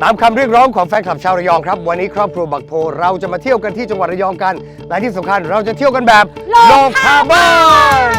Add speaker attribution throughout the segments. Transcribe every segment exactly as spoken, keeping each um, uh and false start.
Speaker 1: ตามคำเรียกร้องของแฟนคลับชาวระยองครับวันนี้ครอบครัวบักโพเราจะมาเที่ยวกันที่จังหวัดระยองกันและที่สำคัญเราจะเที่ยวกันแบบโลคาร์บอน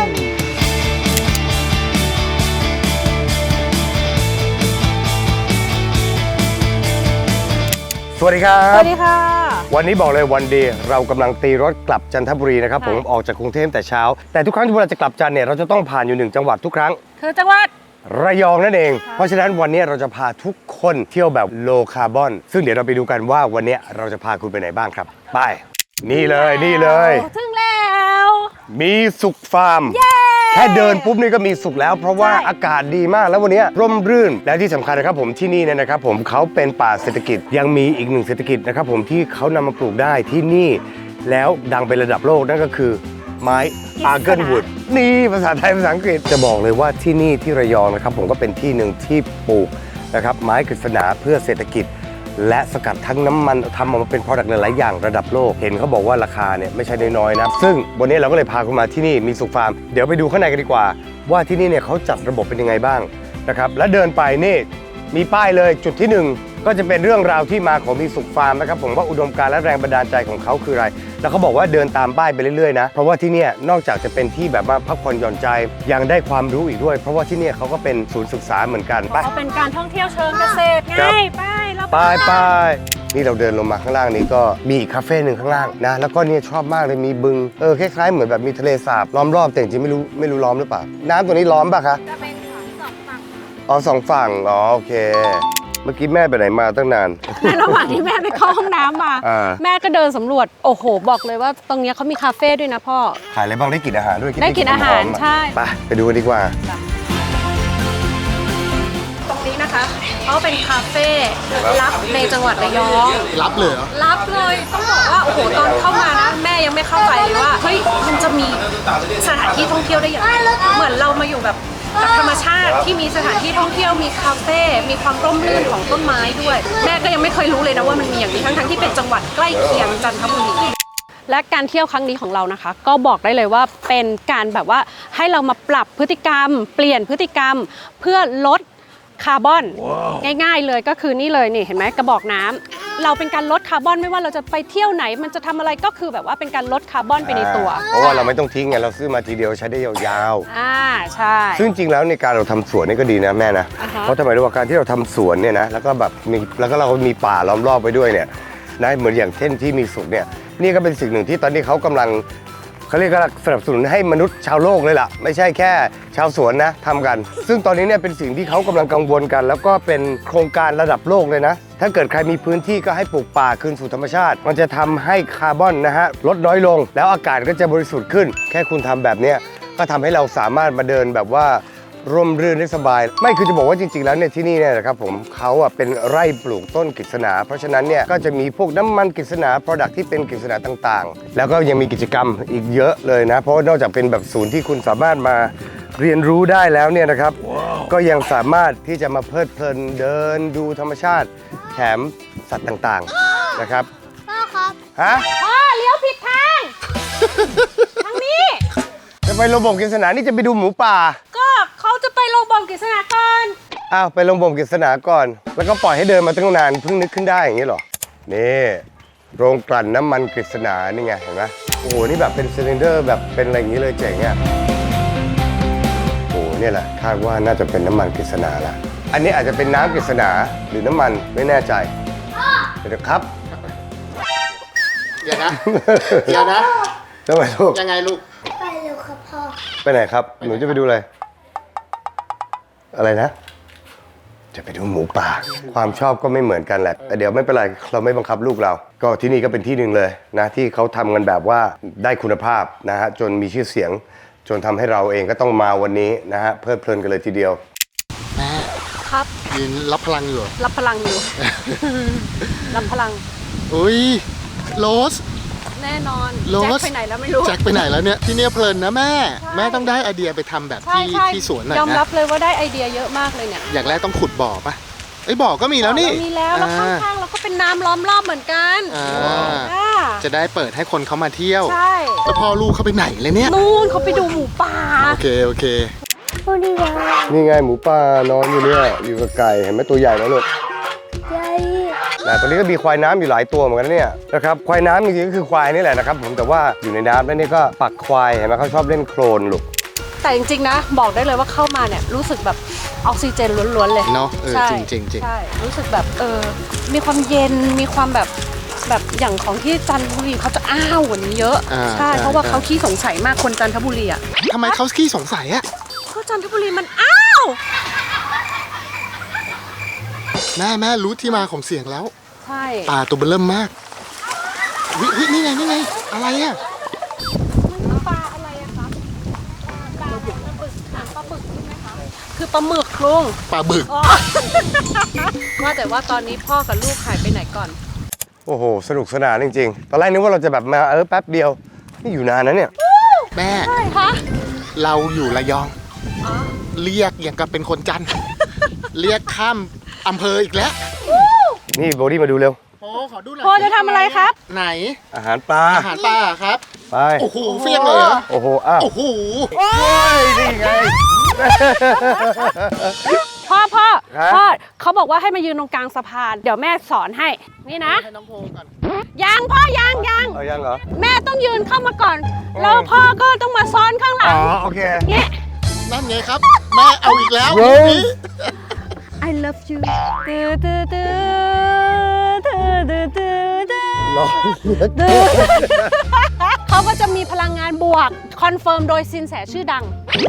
Speaker 1: สวัสดีครับ
Speaker 2: สวัสดีค่ะ
Speaker 1: วันนี้บอกเลยวันดีเรากำลังตีรถกลับจันทบุรีนะครับผมออกจากกรุงเทพแต่เช้าแต่ทุกครั้งที่เราจะกลับจันเนี่ยเราจะต้องผ่านอยู่หนึ่งจังหวัดทุกครั้ง
Speaker 2: คือจังหวัด
Speaker 1: ระยองนั่นเองเพราะฉะนั้นวันนี้เราจะพาทุกคนเที่ยวแบบโลคาร์บอนซึ่งเดี๋ยวเราไปดูกันว่าวันนี้เราจะพาคุณไปไหนบ้างครับไปนี่เลยนี่เลย
Speaker 2: ถึงแล้ว
Speaker 1: มีสุขฟาร์มแค่เดินปุ๊บนี่ก็มีสุขแล้วเพราะว่าอากาศดีมากแล้ววันนี้ร่มรื่นและที่สำคัญนะครับผมที่นี่เนี่ยนะครับผมเขาเป็นป่าเศรษฐกิจยังมีอีกหนึ่งเศรษฐกิจนะครับผมที่เขานำมาปลูกได้ที่นี่แล้วดังเป็นระดับโลกนั่นก็คือไม้อาร์เกิลวูดนี่ภาษาไทยภาษาอังกฤษจะบอกเลยว่าที่นี่ที่ระยองนะครับผมก็เป็นที่หนึ่งที่ปลูกนะครับไม้กฤษณาเพื่อเศรษฐกิจและสกัดทั้งน้ำมันทำออกมาเป็น product หลายๆอย่างระดับโลกเห็นเขาบอกว่าราคาเนี่ยไม่ใช่น้อยๆนะซึ่งวันนี้เราก็เลยพาคุณมาที่นี่มีสุขฟาร์มเดี๋ยวไปดูข้างในกันดีกว่าว่าที่นี่เนี่ยเขาจัดระบบเป็นยังไงบ้างนะครับและเดินไปนี่มีป้ายเลยจุดที่หนึ่งก็จะเป็นเรื่องราวที่มาของมีสุขฟาร์มนะครับผมว่าอุดมการณ์และแรงบันดาลใจของเขาคืออะไรแล้วเขาบอกว่าเดินตามป้ายไปเรื่อยๆนะเพราะว่าที่นี่นอกจากจะเป็นที่แบบว่าพักผ่อนหย่อนใจยังได้ความรู้อีกด้วยเพราะว่าที่นี่เขาก็เป็นศูนย์ศึกษาเหมือนกันไป
Speaker 2: เขาเป็นการท่องเที่ยวเชิงเกษตรไงไปแล้ว
Speaker 1: ไปไปนี่เราเดินลงมาข้างล่างนี้ก็มีอีกคาเฟ่หนึ่งข้างล่างนะแล้วก็เนี่ยชอบมากเลยมีบึงเออคล้ายๆเหมือนแบบมีทะเลสาบล้อมรอบแต่จริงๆไม่รู้ไม่รู้ล้อมหรือเปล่าน้ำตัวนี้ล้อมป่ะคะ
Speaker 2: จะเป็นสองฝั่ง
Speaker 1: อ๋อสองฝั่งอ๋อโอเคเมื่อกี้แม่ไปไหนมาตั้งนาน
Speaker 2: ในระหว่างที่แม่ไปเข้าห้องน้ำมาแม่ก็เดินสำรวจโอ้โหบอกเลยว่าตรงนี้เขามีคาเฟ่ด้วยนะพ่อ
Speaker 1: ขายอะไรบ้างได้กินอาหารด้วย
Speaker 2: ได้กินอาหารใช่
Speaker 1: ไปไปดูกันดีกว่า
Speaker 2: ตรงนี้นะคะเขาเป็นคาเฟ่ลับในจังหวัดระยอง
Speaker 1: รับเลยเหรอ
Speaker 2: รับเลยต้องบอกว่าโอ้โหตอนเข้ามานะแม่ยังไม่เข้าใจเลยว่าเฮ้ยมันจะมีสถานที่ท่องเที่ยวได้อย่างไรเหมือนเรามาอยู่แบบกับธรรมชาติที่มีสถานที่ท่องเที่ยวมีคาเฟ่มีความร่มรื่นของต้นไม้ด้วยแม่ก็ยังไม่เคยรู้เลยนะว่ามันมีอย่างนี้ทั้งๆที่เป็นจังหวัดใกล้เคียงจันทบุรีและการเที่ยวครั้งนี้ของเรานะคะก็บอกได้เลยว่าเป็นการแบบว่าให้เรามาปรับพฤติกรรมเปลี่ยนพฤติกรรมเพื่อลดคาร์บอน wow. ง่ายๆเลยก็คือนี่เลยนี่เห็นไหมกระบอกน้ำเราเป็นการลดคาร์บอนไม่ว่าเราจะไปเที่ยวไหนมันจะทำอะไรก็คือแบบว่าเป็นการลดคาร์บอนไปในตัว
Speaker 1: เพราะว่าเราไม่ต้องทิ้งไงเราซื้อมาทีเดียวใช้ได้ยาว
Speaker 2: ๆอ่าใช่
Speaker 1: ซึ่งจริงแล้วในการเราทำสวนนี่ก็ดีนะแม่นะ uh-huh. เพราะทำไมรู้ว่าการที่เราทำสวนเนี่ยนะแล้วก็แบบมีแล้วก็เรามีป่าล้อมรอบไปด้วยเนี่ยนะเหมือนอย่างเช่นที่มีสุขเนี่ยนี่ก็เป็นสิ่งหนึ่งที่ตอนนี้เขากำลังเขาเรียกว่าสนับสนุนให้มนุษย์ชาวโลกเลยล่ะไม่ใช่แค่ชาวสวนนะทำกันซึ่งตอนนี้เนี่ยเป็นสิ่งที่เขากำลังกังวลกันแล้วก็เป็นโครงการระดับโลกเลยนะถ้าเกิดใครมีพื้นที่ก็ให้ปลูกป่าคืนสู่ธรรมชาติมันจะทำให้คาร์บอนนะฮะลดน้อยลงแล้วอากาศก็จะบริสุทธิ์ขึ้นแค่คุณทำแบบนี้ก็ทำให้เราสามารถมาเดินแบบว่าร่มรื่นได้สบายไม่คือจะบอกว่าจริงๆแล้วเนี่ยที่นี่เนี่ยนะครับผมเขาอ่ะเป็นไร่ปลูกต้นกฤษณาเพราะฉะนั้นเนี่ยก็จะมีพวกน้ำมันกฤษณา product ที่เป็นกฤษณาต่างๆแล้วก็ยังมีกิจกรรมอีกเยอะเลยนะเพราะนอกจากเป็นแบบศูนย์ที่คุณสามารถมาเรียนรู้ได้แล้วเนี่ยนะครับ wow. ก็ยังสามารถที่จะมาเพลิดเพลินเดินดูธรรมชาติแถมสัตว์ต่างๆนะครับ
Speaker 2: พ่อครับ
Speaker 1: ฮะ
Speaker 2: พ่อเลี้ยวผิดทาง ทางนี้
Speaker 1: จะไปโรงบ่มกฤษณานี่จะไปดูหมูป่า
Speaker 2: ก็เขาจะไปโรงบ่มกฤษณาก่อน
Speaker 1: อ้าวไปโรงบ่มกฤษณาก่อนแล้วก็ปล่อยให้เดินมาตั้งนานเพิ่งนึกขึ้นได้อย่างนี้หรอนี่โรงกลั่นน้ำมันกฤษณานี่ไงเห็นไหมโอ้โหนี่แบบเป็นซิลินเดอร์แบบเป็นอะไรอย่างนี้เลยเจ๋งอ่ะโอ้โหนี่แหละคาดว่าน่าจะเป็นน้ำมันกฤษณาละอันนี้อาจจะเป็นน้ำกฤษณาหรือน้ำมันไม่แน่ใจเดี๋ยวครับ
Speaker 3: เดี๋ยวนะเดี๋ยวนะ
Speaker 1: ทำไมลูก
Speaker 3: ยังไงลูก
Speaker 2: ไปเร็วครับพ่อ
Speaker 1: ไปไหนครับหนูจะไปดูอะไรอะไรนะจะไปดูหมูป่าความชอบก็ไม่เหมือนกันแหละแต่เดี๋ยวไม่เป็นไรเราไม่บังคับลูกเราก็ที่นี่ก็เป็นที่หนึ่งเลยนะที่เขาทำกันแบบว่าได้คุณภาพนะฮะจนมีชื่อเสียงจนทำให้เราเองก็ต้องมาวันนี้นะฮะเพลิดเพลินกันเลยทีเดียว
Speaker 3: แม่
Speaker 2: ครับ
Speaker 3: ยืนรับพลังอยู่
Speaker 2: รับพลังอยู่ รับพลัง
Speaker 3: อุ้ยโรส
Speaker 2: แน่นอนแจ็คไปไหนแล้วไม่รู้
Speaker 3: แจ็คไปไหนแล้วเนี่ยที่เนี่ยเพลินนะแม่แม่ต้องได้ไอเดียไปทำแบบที่ที่สวนหน่อยนะ
Speaker 2: ยอมรับเลยว่าได้ไอเดียเยอะมากเลยเนี่ย
Speaker 3: อย่างแรกต้องขุดบ่อปะไอ้บ่อก็มีแล้วนี่
Speaker 2: มีแล้วแล้วข้างๆเราก็เป็นน้ำล้อมรอบเหมือนกัน
Speaker 3: จะได้เปิดให้คนเขามาเที่ยว
Speaker 2: ใช่
Speaker 3: แล้วพ่อลูกเขาไปไหนเลยเนี่ย
Speaker 2: นู่นเขาไปดูหมูป่า
Speaker 3: โอเคโอเค
Speaker 1: นี่ไงหมูป่านอนอยู่เนี่ยอยู่กับไก่เห็นไหมตัวใหญ่แล้วลูก
Speaker 2: ใหญ่
Speaker 1: นะตอนนี้ก็มีควายน้ำอยู่หลายตัวเหมือนกันเนี่ยนะครับควายน้ำจริงๆก็คือควายนี่แหละนะครับผมแต่ว่าอยู่ในน้ำแล้วนี่ก็ปักควายเห็นไหมเขาชอบเล่นโคลนลูก
Speaker 2: แต่จริงๆนะบอกได้เลยว่าเข้ามาเนี่ยรู้สึกแบบออกซิเจนล้วนๆเลย
Speaker 3: เนาะเออ
Speaker 2: ใช่
Speaker 3: จริงจริงจริง
Speaker 2: ใช่รู้สึกแบบเออมีความเย็นมีความแบบแบบอย่างของที่จันทบุรีเขาจะอ้าวกว่านี้เยอะ
Speaker 3: อ่า
Speaker 2: ใช่
Speaker 3: ใช่
Speaker 2: เพราะว่า
Speaker 3: ใช่
Speaker 2: เขาขี้สงสัยมากคนจันทบุรีอ่ะ
Speaker 3: ทำไมเขาขี้สงสัยอะ
Speaker 2: เพราะจันทบุรีมันอ้าว
Speaker 3: แม่แม่รู้ที่มาของเสียงแล้ว
Speaker 2: ใช่
Speaker 3: ปลาตัวเบอเริ่มมากวิวินี่ไงนี่ไงอะไรอะ
Speaker 2: ปลาอะไรอะคะปลาปลาบึกหางปลาบึกใช่ไหมคะคือปลาหมึกลุง
Speaker 3: ปลาบึก
Speaker 2: อ๋อ ว่าแต่ว่าตอนนี้พ่อกับลูกหายไปไหนก่อน
Speaker 1: โอ้โหสนุกสนานจริงๆตอนแรกนึกว่าเราจะแบบมาเออแป๊บเดียวนี่อยู่นานนะเนี่ย
Speaker 3: แม่
Speaker 2: ใช่คะ
Speaker 3: เราอยู่ระยอง
Speaker 2: อ๋อ
Speaker 3: เรียกอย่างกับเป็นคนจันทร์ เรียกข้ามอำเภออีกแล้ว
Speaker 1: นี่โบดี้มาดูเร็ว
Speaker 3: โอ้ขอดูหน่อย
Speaker 2: พ่อจะทำอะไรครับ
Speaker 3: ไหน
Speaker 1: อาหารปลา
Speaker 3: อาหารปลาครับ
Speaker 1: ไป
Speaker 3: โอ้โหเฟี้ยงเลยเหรอ
Speaker 1: โอ้โหอ้าว
Speaker 3: โอ้โห
Speaker 1: โอ้ยนี่ไง
Speaker 2: พ่อพ่อ
Speaker 1: ครับ
Speaker 2: พ่อเขาบอกว่าให้มายืนตรงกลางสะพาน เดี๋ยวแม่สอนให้ นี่นะ
Speaker 3: ให้น้องโพก่อน
Speaker 2: ยังพ่อยังยัง
Speaker 1: เอายังเหรอ
Speaker 2: แม่ต้องยืนเข้ามาก่อน แล้วพ่อก็ต้องมาซ้อนข้างหลั
Speaker 1: อ๋
Speaker 2: ง
Speaker 1: อโอเค
Speaker 2: เนี่ย
Speaker 3: นั่นไงครับ แม่เอาอีกแล้ว
Speaker 1: เว้
Speaker 3: ลู
Speaker 1: ย
Speaker 3: กนี้
Speaker 2: I love you ตื้อตื้อตื้อตื้อตื้อตื้อตื้อ
Speaker 1: ร้อนเหลือเกิ
Speaker 2: ตื้อน เขาก็จะมีพลังงานบวก คอนเฟิร์มโดยซินแสชื่อดัง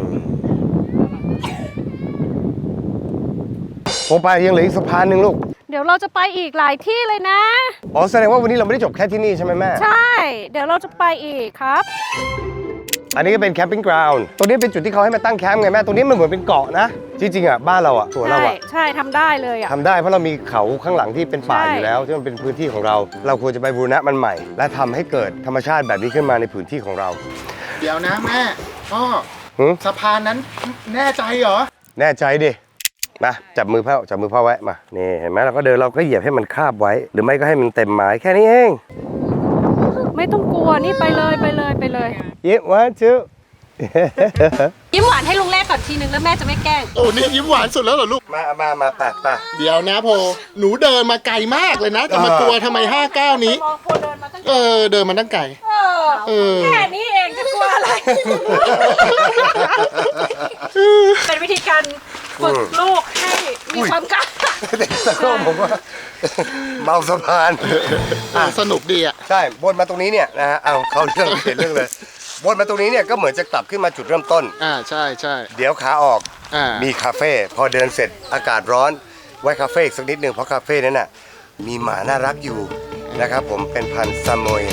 Speaker 1: ผมไปยังเหลืออีกสะพานหนึ่งลูก
Speaker 2: เดี๋ยวเราจะไปอีกหลายที่เลยนะ
Speaker 1: อ๋อแสดงว่าวันนี้เราไม่ได้จบแค่ที่นี่ใช่ไหมแม่
Speaker 2: ใช่ เดี๋ยวเราจะไปอีกครับ
Speaker 1: อันนี้ก็เป็นแคมปิ้งกราวน์ตรงนี้เป็นจุดที่เขาให้มาตั้งแคมป์ไงแม่ ตรงนี้มันเหมือนเป็นเกาะนะ จริงๆอ่ะบ้านเราอ่ะสวนเรา
Speaker 2: ใช่
Speaker 1: อ่ะ
Speaker 2: ใช่ทำได้เลยอ่ะ
Speaker 1: ทำได้เพราะเรามีเขาข้างหลังที่เป็นป่า
Speaker 2: ใช่
Speaker 1: อยู่แล้วที่มันเป็นพื้นที่ของเรา เราควรจะไปบูรณะมันใหม่ และทำให้เกิดธรรมชาติแบบนี้ขึ้นมาในพื้นที่ของเรา
Speaker 3: เดี๋ยวนะแม่พ่อ
Speaker 1: หือ
Speaker 3: สะพานนั้นแน่ใจเหรอ
Speaker 1: แน่ใจดิ มาจับมือพ่อจับมือพ่อไว้มา นี่เห็นไหมเราก็เดินเราก็เหยียบให้มันคาบไว้ หรือไม่ก็ให้มันเต็มไม้แค่นี้เอง
Speaker 2: ไม่ต้องกลัวนี่ไปเลยไปเลยไปเลย
Speaker 1: เย้วันชื่อ
Speaker 2: ยิ้มหวานให้ลุงแรกก่อนทีนึงแล้วแม่จะไม่แกล้ง
Speaker 3: โอ้นี่ยิ้มหวานสุดแล้วเหรอลูก
Speaker 1: มามามาแปะแปะ
Speaker 3: เดี๋ยวนะโพหนูเดินมาไกลมากเลยนะ จะมากลัวทำไมห้าเก้านี้
Speaker 2: มองโพเดินมาตั้ง
Speaker 3: เออ เดินมาตั้งไกล เออ
Speaker 2: แค่นี้เองจะกลัวอะไร เป็นวิธีการฝึกลูกให้มีความกล้า
Speaker 1: แต่ก็ผมว่า เมาสะพาน
Speaker 3: อ่ะสนุกดีอ่ะ
Speaker 1: ใช่วนมาตรงนี้เนี่ยนะฮะเอาเขาเรื่องเปลี่ยนเรื่องเลยวนมาตรงนี้เนี่ยก็เหมือนจะกลับขึ้นมาจุดเริ่มต้น
Speaker 3: อ่าใช่ใช่
Speaker 1: เดี๋ยวขาออก
Speaker 3: อ่า
Speaker 1: มีคาเฟ่พอเดินเสร็จอากาศร้อนไว้คาเฟ่อีกสักนิดหนึ่งเพราะคาเฟ่นั้นน่ะมีหมาน่ารักอยู่นะครับผมเป็นพันธุ์ซามอย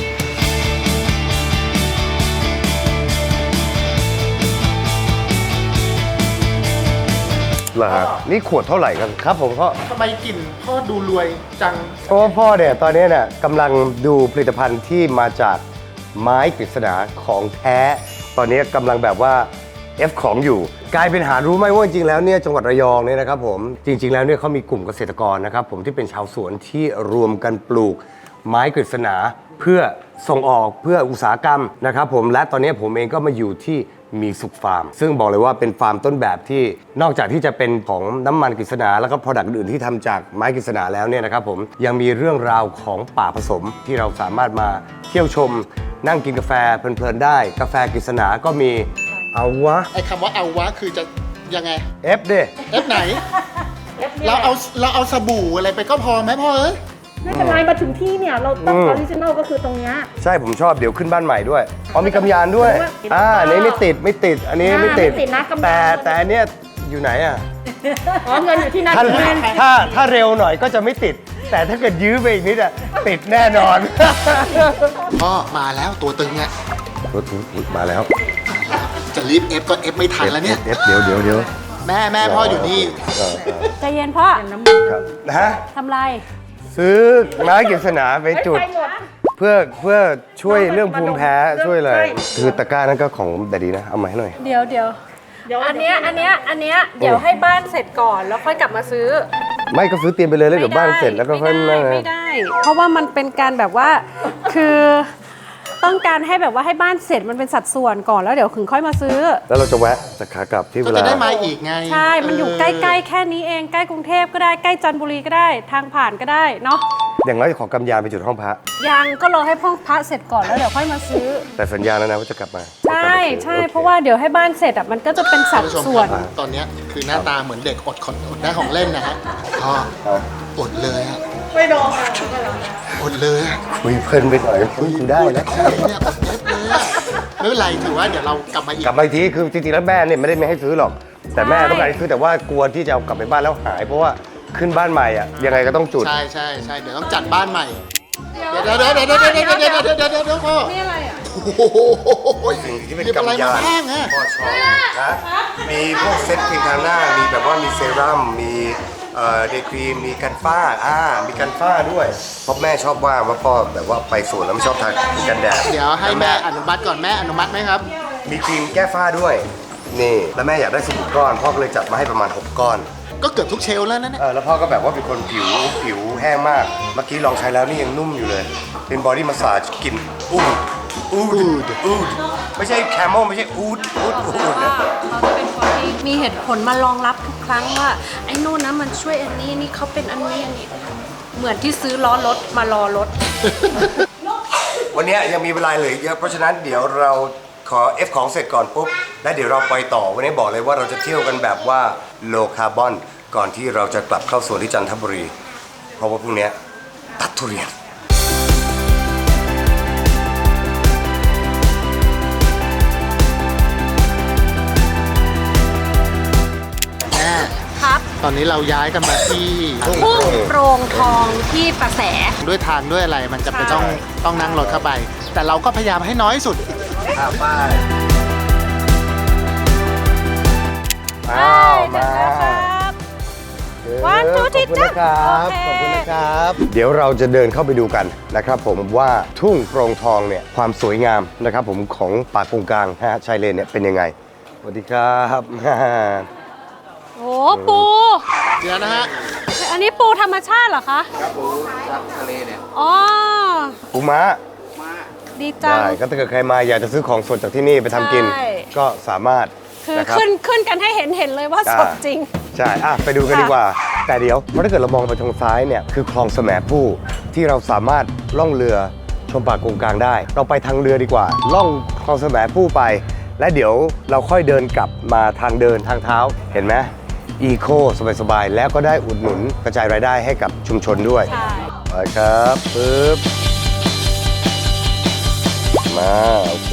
Speaker 1: เหรอฮะนี่ขวดเท่าไหร่กันครับผมพ่อ
Speaker 3: ทำไมกลิ่นพ่อดูรวยจัง
Speaker 1: เพราะว่าพ่อเนี่ยตอนนี้เนี่ยกำลังดูผลิตภัณฑ์ที่มาจากไม้กฤษณาของแท้ ตอนนี้กำลังแบบว่า F ของอยู่ กลายเป็นหารู้ไหมว่าจริงๆแล้วเนี่ยจังหวัดระยองเนี่ยนะครับผมจริงๆแล้วเนี่ยเขามีกลุ่มเกษตรกรนะครับผมที่เป็นชาวสวนที่รวมกันปลูกไม้กฤษณาเพื่อส่งออกเพื่ออุตสาหกรรมนะครับผมและตอนนี้ผมเองก็มาอยู่ที่มีสุขฟาร์ม ซึ่งบอกเลยว่าเป็นฟาร์มต้นแบบที่นอกจากที่จะเป็นของน้ำมันกฤษณาแล้วก็ผลิตอื่นๆที่ทำจากไม้กฤษณาแล้วเนี่ยนะครับผมยังมีเรื่องราวของป่าผสมที่เราสามารถมาเที่ยวชมนั่งกินกาแฟเพลินๆได้กาแฟกฤษณาก็มีเอาวะ
Speaker 3: ไอ้คำว่าเอาวะคือจะยังไง
Speaker 1: F ดิ
Speaker 3: เอฟไหน เราเอาเราเอาสบู่อะไรไปก็พอไหมพ่อเอ้ย
Speaker 2: ไม่เป็นไรมาถึงที่เนี่ย เราต้องออริจินอลก็คือตรงเนี้ย
Speaker 1: ใช่ผมชอบเดี๋ยวขึ้นบ้านใหม่ด้วยอ๋อมีกำยานด้วยอ่าอันนี้ไม่ติดไม่ติดอันนี้ไม่ติด
Speaker 2: ไม่ติดนะกำยาน
Speaker 1: แต่แต่อันเนี้ยอยู่ไหนอ่ะ
Speaker 2: อ๋อเงินอยู่ที่นั่น
Speaker 1: ถ้าถ้าถ้าเร็วหน่อยก็จะไม่ติด แต่ถ้าเกิดยื้อไปอีกนิดอ่ะติดแน่นอน
Speaker 3: พ่อมาแล้วตัวตึงเนี่ย
Speaker 1: รถมาแล้ว
Speaker 3: จะรีบเอฟก็เอฟไม่ทันแล้วเนี่ย
Speaker 1: เอฟเดี๋ยวเดี๋ยวเดี๋ยว
Speaker 3: แม่แม่พ่ออยู่นี่
Speaker 1: เออเออ
Speaker 2: ใจเย็นพ่อ
Speaker 1: ครับนะฮะ
Speaker 2: ทำไร
Speaker 1: ซื้อไม้กฤษณาไปจุด เพื่อเพื่อช่วยเรื่องภูมิแพ้ช่วยอะไรคือตะกร้านั้นก็ของแต่ดีนะเอามาให้หน่อย
Speaker 2: เดี๋ยวเดี๋ยวอันเนี้ยอันเนี้ยอันเนี้ยเดี๋ยวให้บ้านเสร็จก่อนแล้วค่อยกลับมาซื้อ
Speaker 1: ไม่ก็ซื้อเตรียมไปเลยแล้วเดี๋ยวบ้านเสร็จแล้วก็ค่อย
Speaker 2: ไม่
Speaker 1: นั่
Speaker 2: ได้
Speaker 1: น
Speaker 2: ไม่ได้ เพราะว่ามันเป็นการแบบว่าคือต้องการให้แบบว่าให้บ้านเสร็จมันเป็นสัดส่วนก่อนแล้วเดี๋ยวถึงค่อยมาซื้อ
Speaker 1: แล้วเราจะแวะจากขากลับที่เว
Speaker 3: ก็
Speaker 1: ลา
Speaker 3: จะได้มาอีกไง
Speaker 2: ใช่ มันอยู่ใกล้ๆแค่นี้เองใกล้กรุงเทพก็ได้ใกล้จันทบุรีก็ได้ทางผ่านก็ได้เนาะ
Speaker 1: อย่างน้อยขอกำยานไปจุดห้องพระ
Speaker 2: ยังก็รอให้พ่อพระเสร็จก่อนแล้วเดี๋ยวค่อยมาซื้อ
Speaker 1: แต่สัญญาแล้วนะว่าจะกลับมา
Speaker 2: ใช่ใช่เพราะว่าเดี๋ยวให้บ้านเสร็จอ่ะมันก็จะเป็นสัด
Speaker 3: ผู้ชม
Speaker 2: ส่วน
Speaker 3: ครับตอนเนี้ยคือหน้าตาเหมือนเด็กอดของอดได้ของเล่นนะฮะพ่ออดเลยอะ
Speaker 2: ไม่โดน
Speaker 3: อดเลยอะ
Speaker 1: คุยเพลินไปหน่อยคุยได้นะ
Speaker 3: เนี่ยอดเล็บเลยอะไม่เป็นไรถือว่าเดี๋ยวเรากลับมาอีก
Speaker 1: กลับมาอีกทีคือจริงๆแล้วแม่เนี่ยไม่ได้ไม่ให้ซื้อหรอก แต่แม่ต้องการให้ซื้อแต่ว่ากลัวที่จะเอากลับไปบ้านแล้วหาย เพราะว่าขึ้นบ้านใหม่อ่ะยังไงก็ต้องจุด
Speaker 3: ใช่ใช่ใช่เดี๋ยวต้องจัดบ้านใหม่เดี๋ยวเดี๋ยวเดี๋ยวเดี๋ยวเดี๋ยวเดี๋ยวเดี๋ยวเดี๋ยวเดี๋ยวเดี๋ยวพ่อ
Speaker 2: นี่อะไรอ่ะ
Speaker 3: โอ้โห
Speaker 1: สิ่งที่เป็น
Speaker 3: หยิบอะไร
Speaker 1: กำยาม
Speaker 3: าน บ้างอะ
Speaker 1: พ่อชอบนะมีพวกเซ็ตครีมทาหน้า มีแบบว่ามีเซรั่ม มีเอ่อเดย์ครีม มีกันฝ้า อ่า มีกันฝ้าด้วย เพราะแม่ชอบว่าว่าพ่อแบบว่าไปสวนแล้วไม่ชอบทากันแดด
Speaker 3: เดี๋ยวให้แม่อนุมัติก่อนแม่อนุมัติไหมครับ
Speaker 1: มีครีมแก้ฝ้าด้วย นี่ แล้วแม่อยากได้สิบก้อน พ่อก็เลยจัดมาให้ประมาณหกก้อน
Speaker 3: ก็เกือบทุกเชลฟ์แล้วนะเนี่ย
Speaker 1: เออแล้วพ่อก็แบบว่าเป็นคนผิวผิวแห้งมาก เมื่อกี้ลองใช้แล้วนี่ยังนุ่มอยู่เลย เป็นบอดี้มัสซาจกลิ่นอูดอูดอูดไม่ใช่แคมเมลไม่ใช่อูดอูดอูดนะ
Speaker 2: เขาจะเป็นคนที่มีเหตุผลมารองรับทุกครั้งว่าไอ้นู่นนะมันช่วยอันนี้นี่เขาเป็นอันนี้อันนี้เหมือนที่ซื้อล้อรถมารอรถ
Speaker 1: วันนี้ยังมีเวลาเหลือเยอะเพราะฉะนั้นเดี๋ยวเราขอ F ของเสร็จก่อนปุ๊บแล้วเดี๋ยวเราไปต่อวันนี้บอกเลยว่าเราจะเที่ยวกันแบบว่าโลคาร์บอนก่อนที่เราจะกลับเข้าสวนที่จันทบุรี เพราะว่าพรุ่งนี้ตัดทุเรียน
Speaker 3: แม่
Speaker 2: ครับ
Speaker 3: ตอนนี้เราย้ายกันมาที่
Speaker 1: ทุ่ง
Speaker 2: พุ่งโปรงทองที่ประแส
Speaker 3: ด้วยทางด้วยอะไรมันจะเป็น
Speaker 2: ใช่
Speaker 3: ต้องต้องนั่งรถเข้าไป แต่เราก็พยายามให้น้อยสุด
Speaker 1: อ่าไป้ายอ้าวมา
Speaker 2: วันทูที่จ้า
Speaker 1: ขอบคุณนะครับ เดี๋ยวเราจะเดินเข้าไปดูกันนะครับผมว่าทุ่งโปร่งทองเนี่ยความสวยงามนะครับผมของป่ากงกลางนะฮะชายเลนเนี่ยเป็นยังไงสวัสดีครับ
Speaker 2: โอ้ปู
Speaker 3: เดี๋ยวนะฮะ
Speaker 2: อันนี้ปูธรรมชาติเหรอคะครับปูจากทะเลเนี่ยอ๋อ
Speaker 1: ปูม้า
Speaker 2: ดีจัง
Speaker 1: ได้ก็ถ้าเกิดใครมาอยากจะซื้อของสดจากที่นี่ไปทำกิน
Speaker 2: ใช่
Speaker 1: ก็สามารถ
Speaker 2: คือ
Speaker 1: นะครับ
Speaker 2: ขึ้นขึ้นกันให้เห็นเห็นเลยว่าสดจริง
Speaker 1: ใช่อ่ะไปดูกัน
Speaker 2: ค่ะ
Speaker 1: ดีกว่า แต่เดี๋ยวเพราะถ้าเกิดเรามองไปทางซ้ายเนี่ยคือคลองแสมผู้ที่เราสามารถล่องเรือชมป่ากงกลางได้ เราไปทางเรือดีกว่า ล่องคลองแสมผู้ไป และเดี๋ยวเราค่อยเดินกลับมาทางเดินทางเท้าเห็นไหมอีโคสบายๆแล้วก็ได้อุดหนุนกระจายรายได้ให้กับชุมชนด้วย
Speaker 2: ใช่
Speaker 1: ไปครับปึ๊บมาโอเค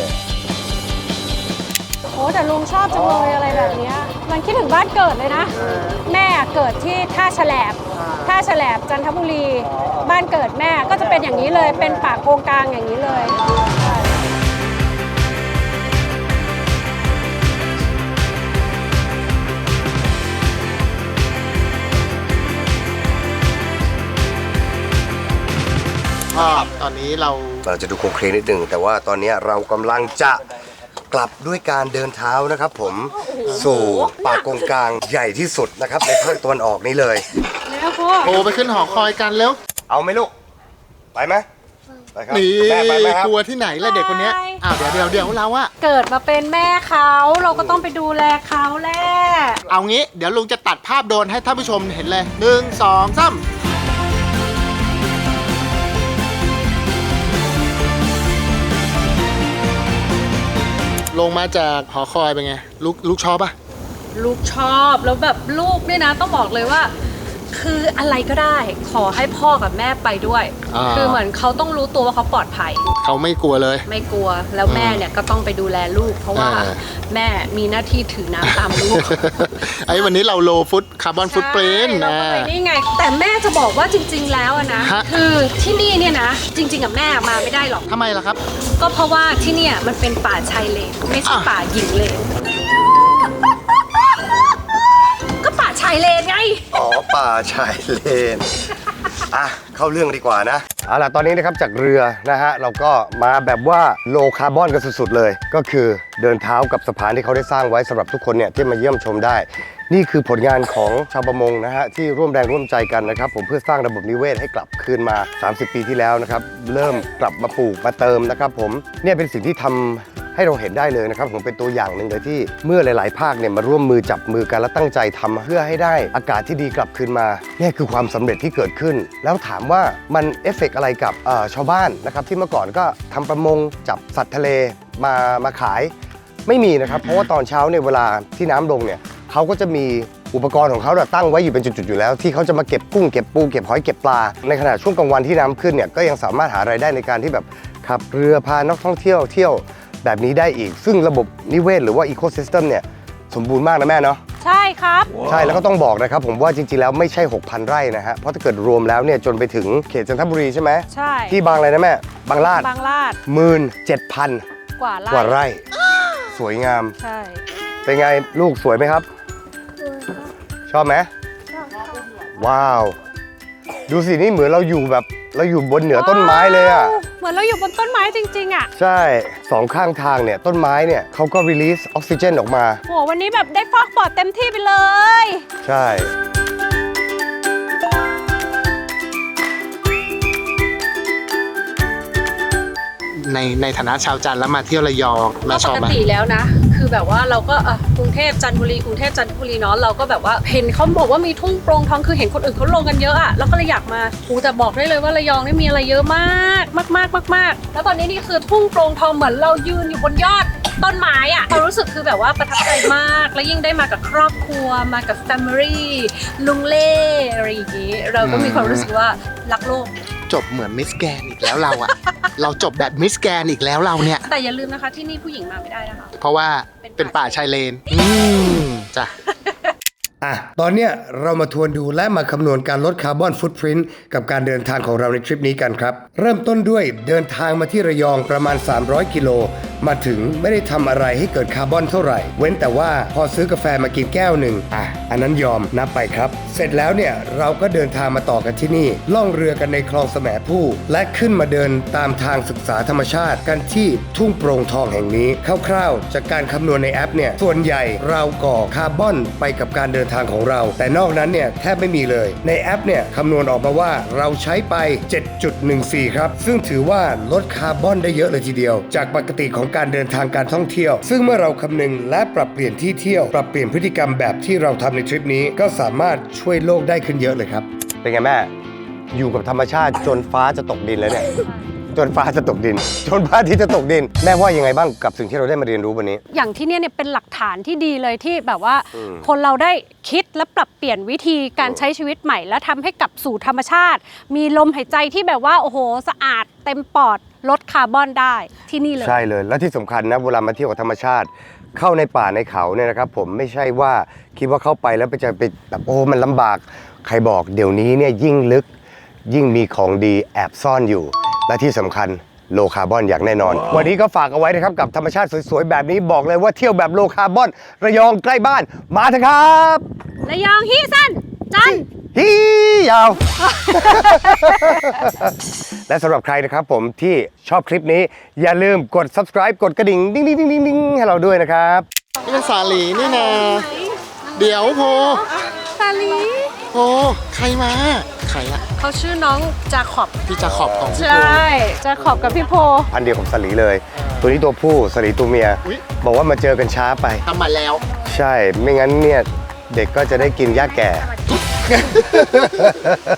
Speaker 2: โอ้แต่ลุงชอบจังเลยอะไรแบบเนี้ยมันคิดถึงบ้านเกิดเลยนะ แม่เกิดที่ท่าแฉลบท่าแฉลบจันทบุรี บ้านเกิดแม่ก็จะเป็นอย่างนี้เลย เป็นป่าโกงกลางอย่างนี้เลย
Speaker 3: ก็ตอนนี้เรา
Speaker 1: เราจะดูโครงเคลงนิดหนึ่งแต่ว่าตอนนี้เรากำลังจะกลับด้วยการเดินเท้านะครับผมสู่ป่ากงกลางใหญ่ที่สุดนะครับในภาคตะวันออกนี้เลย
Speaker 2: แล้วพ่อ
Speaker 3: โทรไปขึ้นหอคอยกันเร็ว
Speaker 1: เอาไหมลูก ไปไหมไปครับ
Speaker 3: นี่
Speaker 1: แม่ไปไหมครับ
Speaker 3: กลัวที่ไหนล่ะเด็กคนเนี้ยอ้าวเดี๋ยวเดี๋ยวเดี๋ยวเราอะ
Speaker 2: เกิดมาเป็นแม่เขาเราก็ต้องไปดูแลเขาแหละ
Speaker 3: เอางี้เดี๋ยวลุงจะตัดภาพโดรนให้ท่านผู้ชมเห็นเลยหนึ่งสองสามลงมาจากหอคอยเป็นไง ลูกลูกชอบปะ
Speaker 2: ลูกชอบแล้วแบบลูกเนี่ยนะต้องบอกเลยว่า คืออะไรก็ได้ขอให้พ่อกับแม่ไปด้วย คือเหมือนเขาต้องรู้ตัวว่าเขาปลอดภัย
Speaker 3: เขาไม่กลัวเลย
Speaker 2: ไม่กลัวแล้วแม่เนี่ยก็ต้องไปดูแลลูก เพราะว่า
Speaker 3: เออ
Speaker 2: แม่มีหน้าที่ถือน้ำตามลูก
Speaker 3: ไอ้วันนี้เราโลฟุตคาร์บอนฟุตปริน
Speaker 2: ใช่เรา
Speaker 3: นะ
Speaker 2: ก็ไปนี่ไง แต่แม่จะบอกว่าจริง ๆ แล้วอะนะ
Speaker 3: ฮะ
Speaker 2: คือที่นี่เนี่ยนะ จริง ๆกับแม่มาไม่ได้หรอก
Speaker 3: ทำไมล่ะครับ
Speaker 2: ก็เพราะว่าที่เนี่ยมันเป็นป่าชายเลนไม่ใช่
Speaker 3: อ่ะ
Speaker 2: ป่าหญิงเลนก็ป่าชายเลนไง
Speaker 1: อ๋อป่าชายเลน อ่ะเข้าเรื่องดีกว่านะเอาล่ะตอนนี้นะครับจากเรือนะฮะเราก็มาแบบว่าโลคาร์บอนกันสุดๆเลย ก็คือเดินเท้ากับสะพานที่เขาได้สร้างไว้สำหรับทุกคนเนี่ยที่มาเยี่ยมชมได้ นี่คือผลงานของชาวประมงนะฮะที่ร่วมแรงร่วมใจกันนะครับผมเพื่อสร้างระบบนิเวศให้กลับคืนมา สามสิบ ปีที่แล้วนะครับเริ่มกลับมาปลูกมาเติมนะครับผมเนี่ยเป็นสิ่งที่ทำให้เราเห็นได้เลยนะครับผมเป็นตัวอย่างหนึ่งเลยที่เมื่อหลาย ๆ ภาคเนี่ยมาร่วมมือจับมือกันและตั้งใจทำเพื่อให้ได้อากาศที่ดีกลับคืนมานี่คือความสำเร็จที่เกิดขึ้น แล้วถามว่ามันเอฟเฟกต์อะไรกับเอ่อชาวบ้านนะครับที่เมื่อก่อนก็ทำประมงจับสัตว์ทะเลมามาขายไม่มีนะครับเพราะว่าตอนเช้าเนี่ยเวลาที่น้ำลงเนี่ยเขาก็จะมีอุปกรณ์ของเขาตั้งไว้อยู่เป็นจุดๆอยู่แล้วที่เขาจะมาเก็บกุ้งเก็บปูเก็บหอยเก็บปลาในขณะช่วงกลางวันที่น้ำขึ้นเนี่ยก็ยังสามารถหารายได้ในการที่แบบขับเรือพานักท่องเที่ยวเที่ยวแบบนี้ได้อีกซึ่งระบบนิเวศหรือว่าอีโคซิสเต็มเนี่ยสมบูรณ์มากนะแม่เนาะ
Speaker 2: ใช่ครับ
Speaker 1: ใช่แล้วก็ต้องบอกนะครับผมว่าจริงๆแล้วไม่ใช่ หกพัน ไร่นะฮะเพราะถ้าเกิดรวมแล้วเนี่ยจนไปถึงเขตจันทบุรีใช่ไหม
Speaker 2: ใช่
Speaker 1: ที่บางอะไรนะแม่บางลาด
Speaker 2: บางลาด
Speaker 1: หมื่นเจ็ดพัน
Speaker 2: กว่าไร่
Speaker 1: กว่าไร่สวยงาม
Speaker 2: ใช่
Speaker 1: เป็นไงลูกสวยไหมครับ ชอบไหมว้าว ดูสินี่เหมือนเราอยู่แบบเราอยู่บนเหนือต้นไม้เลยอ่ะ
Speaker 2: เหมือนเราอยู่บนต้นไม้จริงๆอ่ะ
Speaker 1: ใช่สองข้างทางเนี่ยต้นไม้เนี่ยเขาก็รีลีสออกซิเจนออกมา
Speaker 2: โหวันนี้แบบได้ฟอกปอดเต็มที่ไปเลย
Speaker 1: ใช่
Speaker 3: ในในฐานะชาวจันทร์แล้วมาเที่ยวระยองแม่
Speaker 2: ก็
Speaker 3: ช
Speaker 2: ป
Speaker 3: อบ
Speaker 2: ก
Speaker 3: ไหม
Speaker 2: ติแล้วนะ คือแบบว่าเราก็เอ่อกรุงเทพจันทบุรีกรุงเทพจันทบุรีเนาะเราก็แบบว่าเห็นเขาบอกว่ามีทุ่งโปร่งทองคือเห็นคนอื่นเขาลงกันเยอะอะแล้วก็เลยอยากมาโอ้แต่บอกได้เลยว่าระยองนี่มีอะไรเยอะมากมากมากมากมากแล้วตอนนี้นี่คือทุ่งโปร่งทองเหมือนเรายืนอยู่บนยอดต้นไม้อะความรู้สึกคือแบบว่าประทับใจมากแล้วยิ่งได้มากับครอบครัวมากับแฟมิลี่ลุงเล่อะไรอย่างงี้เราก็มีความรู้สึกว่ารักโลก
Speaker 3: จบเหมือนมิสแกรนด์อีกแล้วเราอะ เราจบแบบมิสแกรนด์อีกแล้วเราเนี่ย
Speaker 2: แต่อย่าลืมนะคะที่นี่ผู้หญิงมาไม่ได้นะคะ
Speaker 3: เพราะว่า
Speaker 2: เป็
Speaker 3: เป็น
Speaker 2: นป่า
Speaker 3: ป่าชายเลน อืมจ้ะ
Speaker 1: อ่ะตอนเนี้ยเรามาทวนดูและมาคำนวณการลดคาร์บอนฟุตพริ้นท์กับการเดินทางของเราในทริปนี้กันครับ เริ่มต้นด้วยเดินทางมาที่ระยองประมาณ สามร้อย กิโล มาถึงไม่ได้ทำอะไรให้เกิดคาร์บอนเท่าไหร่ เว้นแต่ว่าพอซื้อกาแฟมากินแก้วหนึ่งอ่ะอันนั้นยอมนับไปครับ เสร็จแล้วเนี่ยเราก็เดินทางมาต่อกันที่นี่ ล่องเรือกันในคลองแสมผู้และขึ้นมาเดินตามทางศึกษาธรรมชาติกันที่ทุ่งโปร่งทองแห่งนี้คร่าวๆจากการคำนวณในแอปเนี่ยส่วนใหญ่เราก่อคาร์บอนไปกับการเดินทางของเรา แต่นอกนั้นเนี่ยแทบไม่มีเลยในแอปเนี่ยคำนวณออกมาว่าเราใช้ไป เจ็ดจุดหนึ่งสี่ ครับซึ่งถือว่าลดคาร์บอนได้เยอะเลยทีเดียวจากปกติของการเดินทางการท่องเที่ยวซึ่งเมื่อเราคำนึงและปรับเปลี่ยนที่เที่ยวปรับเปลี่ยนพฤติกรรมแบบที่เราทำในทริปนี้ก็สามารถช่วยโลกได้ขึ้นเยอะเลยครับเป็นไงแม่อยู่กับธรรมชาติจนฟ้าจะตกดินแล้วเนี่ยจนฟ้าจะตกดินจนพระอาทิตย์จะตกดินแม่ว่ายังไงบ้างกับสิ่งที่เราได้มาเรียนรู้วันนี้
Speaker 2: อย่างที่เนี่ยเนี่ยเป็นหลักฐานที่ดีเลยที่แบบว่า
Speaker 1: อืม
Speaker 2: คนเราได้คิดและปรับเปลี่ยนวิธีการใช้ชีวิตใหม่ และทำให้กลับสู่ธรรมชาติ มีลมหายใจที่แบบว่าโอ้โหสะอาดเต็มปอดลดคาร์บอนได้ที่นี่เลย
Speaker 1: ใช่เลยและที่สำคัญนะเวลามาเที่ยวกับธรรมชาติ เข้าในป่าในเขาเนี่ยนะครับผมไม่ใช่ว่าคิดว่าเข้าไปแล้วไปจะไปแบบโอ้มันลำบากใครบอกเดี๋ยวนี้เนี่ยยิ่งลึกยิ่งมีของดีแอบซ่อนอยู่ และที่สำคัญโลคาร์บอนอย่างแน่นอน วันนี้ก็ฝากเอาไว้นะครับกับธรรมชาติสวยๆแบบนี้บอกเลยว่าเที่ยวแบบโลคาร์บอนระยองใกล้บ้านมาเถอะครับ
Speaker 2: ระยองฮีสั้นจัน
Speaker 1: ฮียาว และสำหรับใครนะครับผมที่ชอบคลิปนี้อย่าลืมกด subscribe กดกระดิ่งดิ้งดิ้งดิ้งดิ้งให้เราด้วยนะครับ
Speaker 3: นี่เป็นสาลีนี่นะ เดี๋ยวโพ
Speaker 2: ซาลี
Speaker 3: โพใครมา ใครอะ
Speaker 2: เขาชื่อน้องจาขอบ
Speaker 3: พี่จะขอบของพี่
Speaker 2: ใช
Speaker 3: โพ่
Speaker 2: จาขอบกับพี่โพ
Speaker 1: พันธุ์เดียวกับสลีเลย ตัวนี้ตัวผู้สลีตัวเมีย
Speaker 3: อุ๊ย
Speaker 1: บอกว่ามาเจอกันช้าไป
Speaker 3: ทำมาแล้ว
Speaker 1: ใช่ไม่งั้นเนี่ยเด็กก็จะได้กินหญ้าแก่